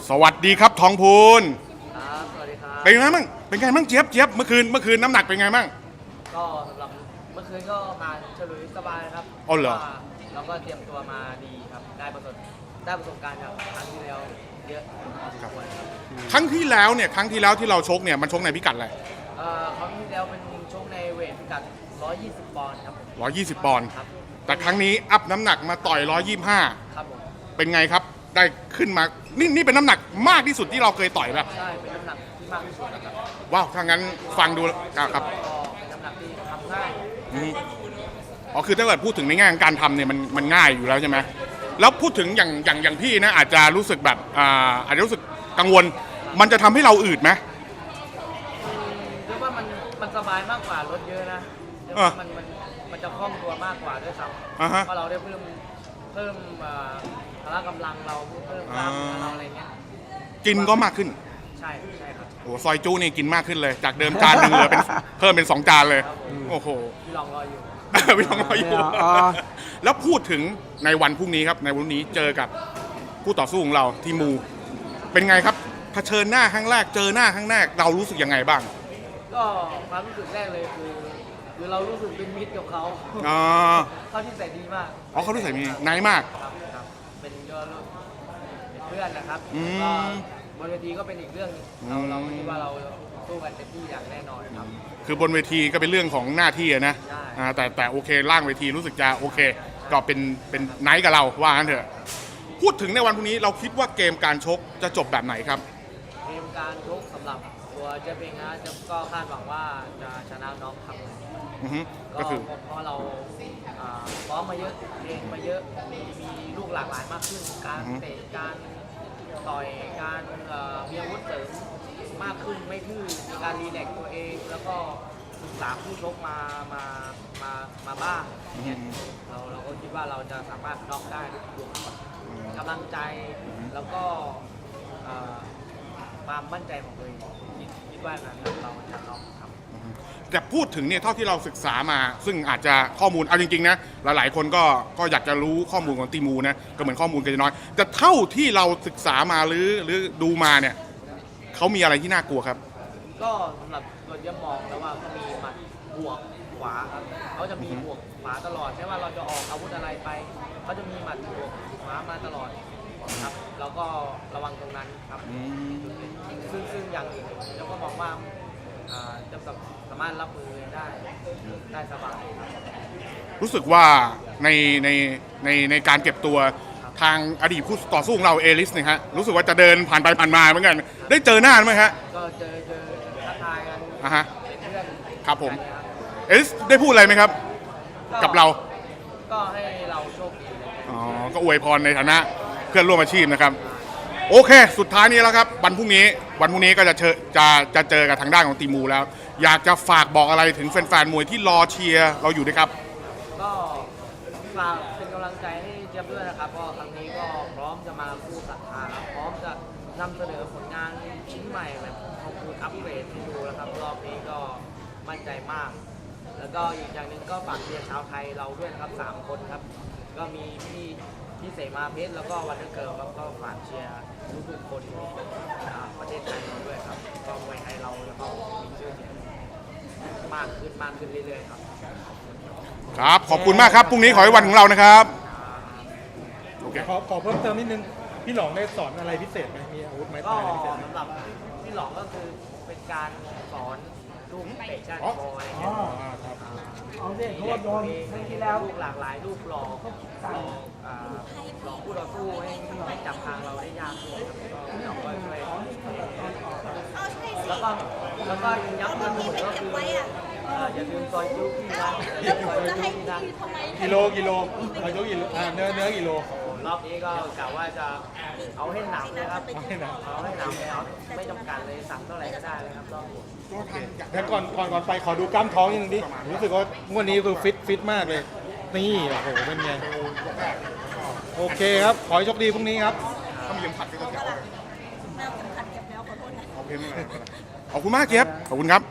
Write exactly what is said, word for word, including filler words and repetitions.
สวัสดีครับทองพูนครับสวัสดีครับเป็นไงบ้างเป็นไงบ้างเจี๊ยบเจี๊ยบเมื่อคืนเมื่อคืนน้ำหนักเป็นไงบ้างก็สำหรับเมื่อคืนก็มาฉลุยสบายครับอ๋อเหรอเราก็เตรียมตัวมาดีครับได้ประสบได้ประสบการณ์จากครั้งที่แล้วเยอะพอสมควรครับครั้งที่แล้วเนี่ยครั้งที่แล้วที่เราชกเนี่ยมันชกในพิกัดอะไรเอ่อครั้งที่แล้วเป็นชกในเวทพิกัดหนึ่งร้อยยี่สิบปอนด์ครับผมร้อยยี่สิบปอนด์ครับแต่ครั้งนี้อัพน้ำหนักมาต่อยหนึ่งร้อยยี่สิบห้าครับผมเป็นไงครับได้ขึ้นมานี่นี่เป็นน้ำหนักมากที่สุดที่เราเคยต่อยป่ะใช่เป็นน้ำหนักที่มากที่สุดนะครับว้าวถ้างั้นฟังดูครับก็เป็นน้ำหนักที่ทำง่ายอืมอ๋อคือถ้าเกิดพูดถึงในแง่ของการทำเนี่ยมันมันง่ายอยู่แล้วใช่ไหมแล้วพูดถึงอย่างอย่างอย่างพี่นะอาจจะรู้สึกแบบอ่าอาจจะรู้สึกกังวลมันจะทำให้เราอืดไหมเรียกว่ามันมันสบายมากกว่ารถเยอะนะเรียกว่ามันมันมันจะคล่องตัวมากกว่าด้วยซ้ำเพราะเราได้เพิ่มเพิ่มพละกำลังเราเพิ่มกล้ามเนื้อเราอะไรเงี้ยกินก็มากขึ้นใช่ใช่ครับโอ้ซอยจูนี่กินมากขึ้นเลยจากเดิมจานหนึ่งเหลือเป็นเพิ่มเป็นสองจานเลยโอ้โหพี่ลองรออยู่พี่ลองรออยู่แล้วพูดถึงในวันพรุ่งนี้ครับในวันนี้เจอกับคู่ต่อสู้ของเราทีมูเป็นไงครับเผชิญหน้าครั้งแรกเจอหน้าครั้งแรกเรารู้สึกยังไงบ้างก็ความรู้สึกแรกเลยคือคือเรารู้สึกเป็นมิตรกับเขาอ๋อเขาที่ใส่ดีมากอ๋อเขาที่ใส่มีไนท์มากครับครับเป็นก็เป็นเพื่อนนะครับก็บนเวทีก็เป็นอีกเรื่องเราเราคิดว่าเราสู้กันเต็มที่อย่างแน่นอนครับคือบนเวทีก็เป็นเรื่องของหน้าที่นะแต่แต่โอเคล่างเวทีรู้สึกจะโอเคก็เป็นเป็นไนท์กับเราว่างั้นเถอะพูดถึงในวันพรุ่งนี้เราคิดว่าเกมการชกจะจบแบบไหนครับเกมการชกสำหรับตัวเจฟเองนะจะก็คาดหวังว่าจะชนะน็อกครับก็คือเพราะเราซ้อมมาเยอะเองมาเยอะมีมีลูกหลากหลายมากขึ้นการเตะการต่อยการมีอาวุธเสริมมากขึ้นไม่ทื่อมีการรีแลกตัวเองแล้วก็ศึกษาผู้ชกมามามามาบ้างเนี่ยเราเราก็คิดว่าเราจะสามารถน็อกได้ด้วยกำลังใจแล้วก็ความมั่นใจของตัวเองคิดว่านั้นเราจะน็อกครับแต่พูดถึงเนี่ยเท่าที่เราศึกษามาซึ่งอาจจะข้อมูลเอาจริงๆนะหลายๆคนก็ก็อยากจะรู้ข้อมูลของตีมูนะก็เหมือนข้อมูลกันน้อยแต่เท่าที่เราศึกษามาหรือหรือดูมาเนี่ยเขามีอะไรที่น่ากลัวครับก็สำหรับตัวเยี่ยมมองแล้วว่าเขามีหมัดบวกขวาครับเขาจะมีบวกขวาตลอดไม่ว่าเราจะออกอาวุธอะไรไปเขาจะมีหมัดบวกขวามาตลอดครับแล้วก็ระวังตรงนั้นครับซึ่งซึ่งอย่างอื่นแล้วก็มองว่าจะสามารถรับมือได้ได้สบายรู้สึกว่าในในในในการเก็บตัวทางอดีตผู้ต่อสู้ของเราเอลิสเนี่ยฮะรู้สึกว่าจะเดินผ่านไปผ่านมาเหมือนกันได้เจอหน้าไหมฮะก็เจอเจอทักทายกันอ่ะฮะเป็นเพื่อนครับผมเอลิสได้พูดอะไรไหมครับกับเราก็ให้เราโชคดีอ๋อก็อวยพรในฐานะเพื่อนร่วมอาชีพนะครับโอเคสุดท้ายนี้แล้วครับวันพรุ่งนี้วันพรุ่งนี้ก็จะเจอจะจะเจอกับทางด้านของตีมูแล้วอยากจะฝากบอกอะไรถึงแฟนๆมวยที่รอเชียร์เราอยู่ด้วยครับก็ฝากเป็นกำลังใจให้เจี๊ยบด้วยนะครับเพราะครั้งนี้ก็พร้อมจะมาคู่ศรัทธาครับพร้อมจะนำเสนอผลงานชิ้นใหม่แบบของคุณอัปเกรดให้ดูแล้วครับรอบนี้ก็มั่นใจมากแล้วก็อีกอย่างหนึ่งก็ฝากเชียร์ชาวไทยเราด้วยนะครับสามคนครับก็มีพี่พี่เสมาเพชรแล้วก็วันเดอร์เกิร์ลครับก็ฝากเชียร์ทุกๆคนที่ประเทศไทยเราด้วยครับก็มวยไทยเราแล้วก็มีชื่อเสียงมากขึ้นมากขึ้นเรื่อยๆครับครับขอบคุณมากครับพรุ่งนี้ขอให้วันของเรานะครับโอเคขอขอเพิ่มเติมนิดนึงพี่หลองได้สอนอะไรพิเศษไหมมีอาวุธไม้ก็ตายอะไรพิเศษสำหรับพี่หลองก็คือเป็นการสอนลูกเตะก้านคออะไรเงี้ยเอาเด็กเขาโดนที่แล้วลูกหลากหลายลูกหลอกหลอกหลอกผู้ต่อสู้ให้ให้จับทางเราได้ยากขึ้นพี่หลองก็ช่วยแล้วก็แล้วก็ย้ำเตือนหมดก็คืออย่าลืมซอยจุ๊กที่ร้านซอยจุ๊กที่ร้านกิโลกิโลซอยจุ๊กกิโลเนื้อเนื้อกิโลรอบนี้ก็กะว่าจะเอาให้หนักนะครับเอาให้หนักเอาให้หนักเลยครับไม่จำกัดเลยสั่งเท่าไหร่ก็ได้เลยครับรอบนี้แล้วก่อนก่อนก่อนไปขอดูกล้ามท้องยังดิรู้สึกว่างวดนี้คือฟิตฟิตมากเลยนี่โอ้โหเป็นไงโอเคครับขอให้โชคดีพรุ่งนี้ครับถ้ามียังผัดก็จะเอาเลยแมวเก็บขัดเก็บแล้วขอโทษนะขอบคุณมากเจี๊ยบขอบคุณครับ